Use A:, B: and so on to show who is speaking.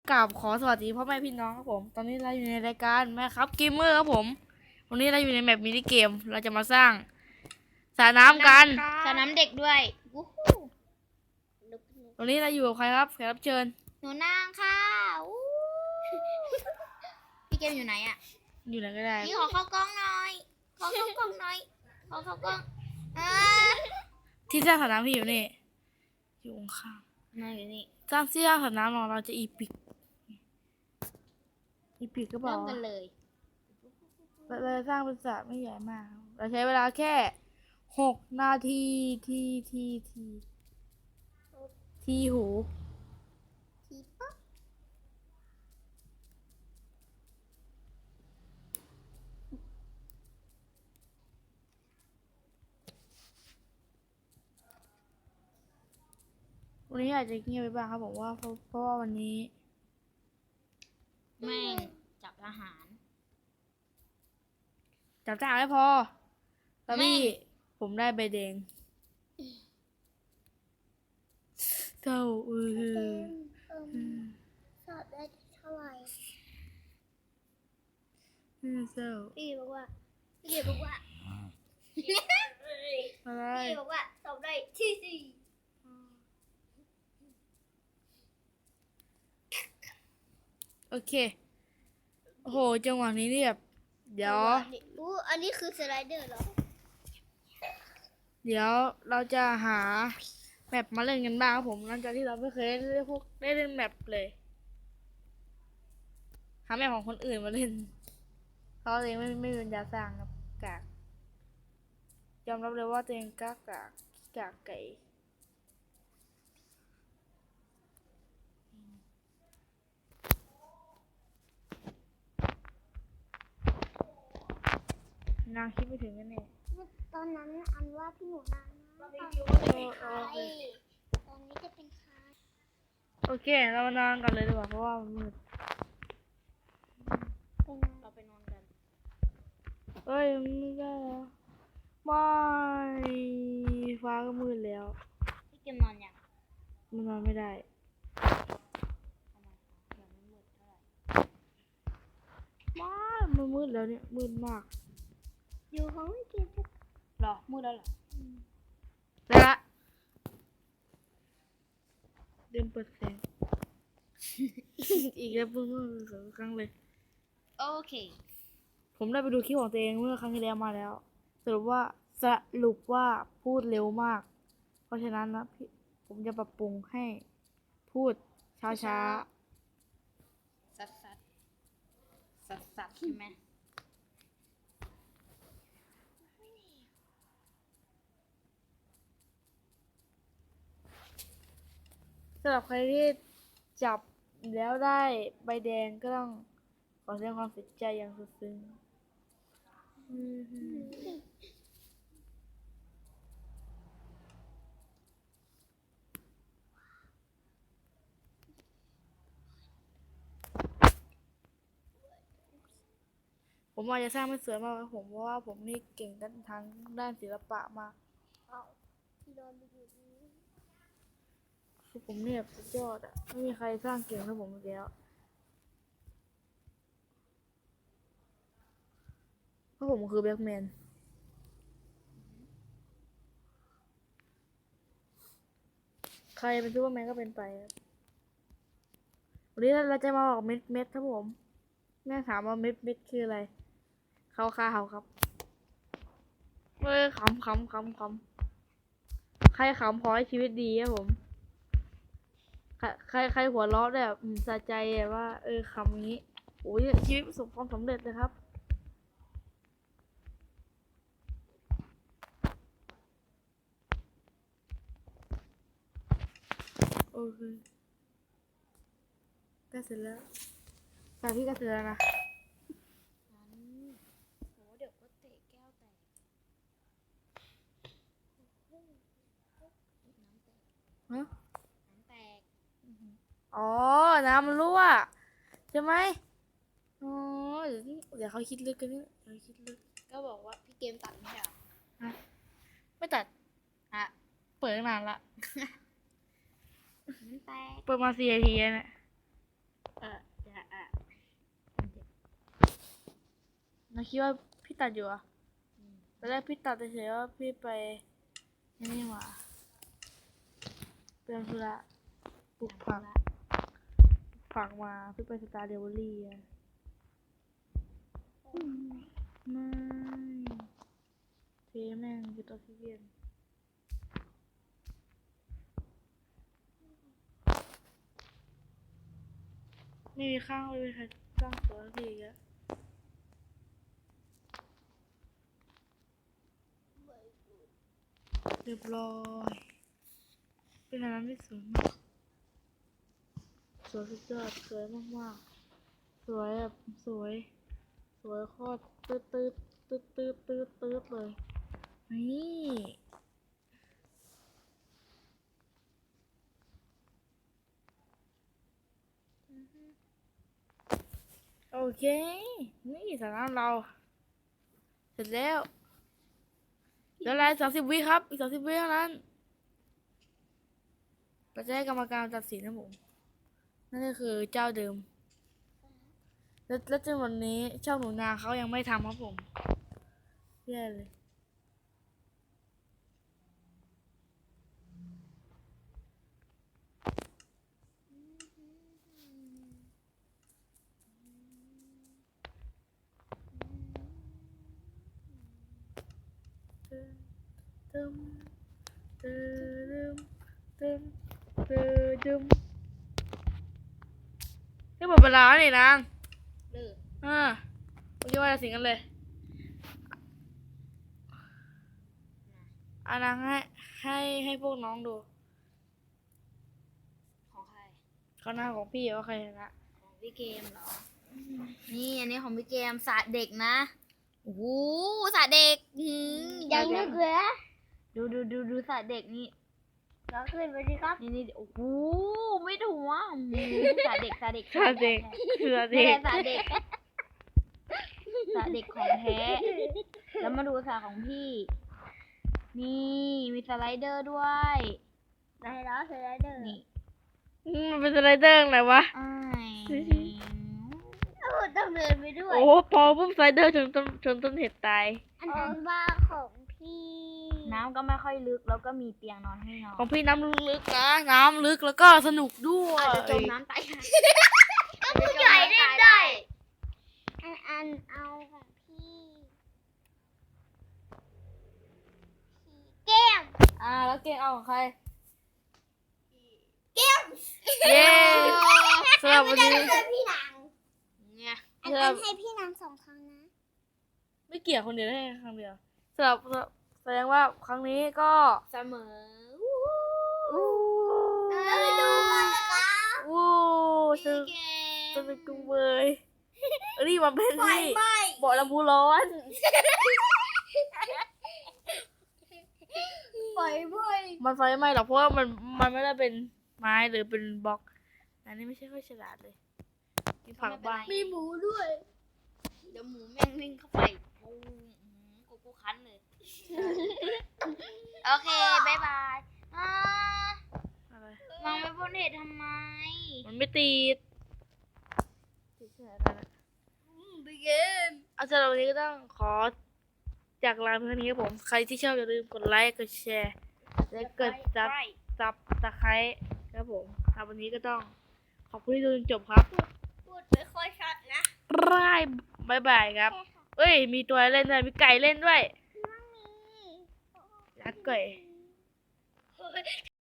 A: กราบขอสวัสดีพ่อแม่พี่น้องครับผมตอนนี้เราอยู่ในรายการแม่ครับเกมเมอร์ครับผมวันนี้เราอยู่ในแมปมินิเกมเราจะมาสร้างสระน้ำกัน
B: สระน้ำเด็กด้วยวู้ฮู้
A: วันนี้เราอยู่กับใครครับแขกรับเชิญ
B: หนูนางค่ะอู้พี่เกมอยู่ไหนอ่ะ
A: อยู่ไหนก็ได้
B: พี่ขอเข้ากล้องหน่อย ขอเข้ากล้องหน่อย ขอเข้ากล้องอ่า
A: ที่สร้างสระน้ำที่อยู่นี่อยู่ข้าง
B: มาอยู่นี่
A: สร้างที่สร้างสระน้ำของเราจะอีพิกก็บอ
B: เริ่
A: ก
B: มกันเลย
A: เราจะสร้างเป็นสระไม่ใหญ่มากเราใช้เวลาแค่6 นาทีทีหู
B: ทีป๊อป
A: วันนี้อาจจะเงียบไปบ้างครับผมว่าเพราะว่าวันนี้
B: แม่งจับอาหาร
A: จับจ่าไม่พอแล้วพี่ผมได้ใบแดงเจ้า
B: สอบได้เท่าไหร่
A: เจ้า
B: พี่บอกว่า พี่เกมบอกว่า
A: อะไร
B: พี่บอกว่าสอบได้ที่สี่
A: โอเคโอ้โหจังหวะนี้เนี่ยเดี๋ยว
B: อันนี้คือสไลเดอร์เหรอ
A: เดี๋ยวเราจะหาแมปมาเล่นกันบ้างครับผมหลังจากที่เราไม่เคยได้เล่นแมปเลยหาแมปของคนอื่นมาเล่นเขาเองไม่มีปัญญาสร้างครับกากยอมรับเลยว่าตัวเองกากไก่นางคิดไม่ถึงกันแน่
B: ตอนนั้นอันว่าพี่หนูนาตอนนี้จะเป็นใคร
A: โอเคเรามานอนกันเลยดีกว่าเพราะว่ามันมืด
B: เราไปนอนกัน
A: เอ้ยไม่ได้แล้วไม่ฟ้าก็มืดแล้ว
B: พี่เกมนอนยัง
A: มันนอนไม่ได้
B: ทำไมยังไม่มืดเท่าไหร่
A: ไม่มันมืดแล้วเนี่ยมืดมาก
B: อยู่ของพี่เกมหรอมืดแล้วเหรอ
A: ได้ละเดินเปิดแสง อีกแล้วเพิ่งสองครั้งเลย
B: โอเค
A: ผมได้ไปดูคลิปของตัวเองเมื่อครั้งที่แล้วมาแล้วสรุปว่าพูดเร็วมาก เพราะฉะนั้นนะพี่ผมจะปรับปรุงให้พูดช้า
B: สัดใช่ไหม
A: ๆสำหรับใครที่จับแล้วได้ใบแดงก็ต้องขอแสดงความเสียใจอย่างสุดซึ้งผมอาจจะสร้างไม่สวยมากครับผมเพราะว่าผมนี่เก่งทางด้านศิลปะมาก
B: พี่นอนไปอยู่นี่
A: คือผมเนี่ยสุดยอดอ่ะไม่มีใครสร้างเก่งเท่าผมอีกแล้วเพราะผมคือแบล็กแมนใครเป็นซูเปอร์แมนก็เป็นไปครับวันนี้เราจะมาบอกเม็ดครับผมแม่ถามว่าเม็ดคืออะไรเขาครับเฮ้ยขำใครขำขอให้ชีวิตดีครับผมใครหัวเราะแบบสะใจว่าขำอย่างนี้โอ้ยชีวิตประสบความสำเร็จเลยครับโอเคก็เสร็จแล้วแต่พี่ก็เสร็จแล้วนะ
B: โหเดี๋ยวก็เตะแก้วแตก
A: ฮะ
B: น้ำแตก
A: อ๋อ น้ำมันรั่วใช่ไหมอ๋อเดี๋ยวเขาคิดลึกกันนี่เดี๋ยวคิดลึก
B: ก็บอกว่าพี่เกมตัดไม่ใช่เหรอ
A: ไม่ตัด
B: อ่ะ
A: เปิดตั้งนานละ
B: น้ำแตก
A: เปิดมา4 นาทีแล้วเนี่ย
B: เอ
A: เราคิดว่าพี่ตัดอยู่อะตอนแรกพี่ตัดเฉยๆว่าพี่ไปนี่หว่าเป็นธุระปลูกผักมาพี่ไปสตาร์เดลิเวอรี่อะไม่เทแม่งคือตัวที่เวียนไม่มีข้างไม่มีใครสร้างตัวสักทีอีกแล้วเรียบร้อยเป็นอะไรที่สวยมากสวยสุดยอดสวยมากๆสวยแบบสวยโคตรตืดเลยนี่โอเคนี่สาระเราเสร็จแล้วเดี๋ยวไลน์30 วิครับอีก30 วิเท่านั้นเราจะให้กรรมการตัดสินนะผมนั่นก็คือเจ้าเดิมแล้วจนวันนี้ช่องหนูนาเขายังไม่ทำครับผมแย่เลยตึมตึมตึมตึมนี่หมดเวลาแล้วนี่นาง
B: เลิก
A: โอเคว่าจะสิงกันเลยนางให้พวกน้องดู
B: ของใคร
A: เขาหน้าของพี่ว่าใครชนะ
B: ของพี่เกมเหรอ นี่อันนี้ของพี่เกมสระเด็กนะ โอ้โหสระเด็กยังนึกเลยดูสระเด็กนี่เราขึ้นไปดิครับ นี่โอ้โหไม่ถูกอ่ะสระเด็ก
A: สาเด็กคือสา
B: ไม่
A: เด็ก
B: ใช่สระเด็กสระเด็กของแท้ แล้วมาดูสระของพี่ นี่มีสไลเดอร์ด้วยได้แล้วสไลเดอร์นี่
A: มันเป็นสไลเดอร์อะไรวะ
B: ต้องเดินไปด้วย
A: โอ้พอปุ๊บสไลเดอร์ชนต้นเห็ดตาย
B: อันนั้นว่าของพี่ น้ำก็ไม่ค่อยลึกแล้วก็มีเตียงนอนให้นอน
A: ของพี่น้ำลึกนะน้ำลึกแล้วก็สนุกด้วย
B: อาจจะจมน้ำตายก็ผู้ใหญ่เล่นได้อันเอาของพี่แก้ม
A: แล้วเก่งเอาของใคร
B: แก้ม
A: เย้สำหรับวันนี้
B: พี่นาง
A: เนี่ย
B: อันให้พี่นาง2 ครั้งนะ
A: ไม่เกี่ยวคนเดียวได้ครั้งเดียวสำหรับแสดงว่าครั้งนี้ก็
B: เสมอ
A: อู้
B: ดูก่อนนะคะ
A: อู้สนุกจุงเบยนี่มันเป็นที่เบาะลำพูร้อน
B: ไฟไหม้
A: มันไฟไหม้หรอกเพราะว่ามันไม่ได้เป็นไม้หรือเป็นบล็อกอันนี้ไม่ใช่ค่อยฉลาดเลยมีผักบ้าง
B: มีหมูด้วย เดี๋ยวหมูแม่งวิ่งเข้าไปกูคันเลย โอเค บ๊ายบาย
A: อะไร
B: มองไม่พ้นเหตุทำไม
A: มันไม่ติดแค่นั้นแหละ
B: บิ๊กเกม
A: เอาสำหรับวันนี้ก็ต้องขอจากลาเพื่อนนี้ครับผมใครที่ชอบอย่าลืมกดไลค์กดแชร์และกดซับตะไคร้ครับผมสำหรับวันนี้ก็ต้องขอบคุณที่ดูจนจบครับ
B: พูดไม่ค่อยชัดนะ
A: บายบายครับเอ้ยมีตัวเล่นด้วยมีไก่เล่นด้วยรักไก่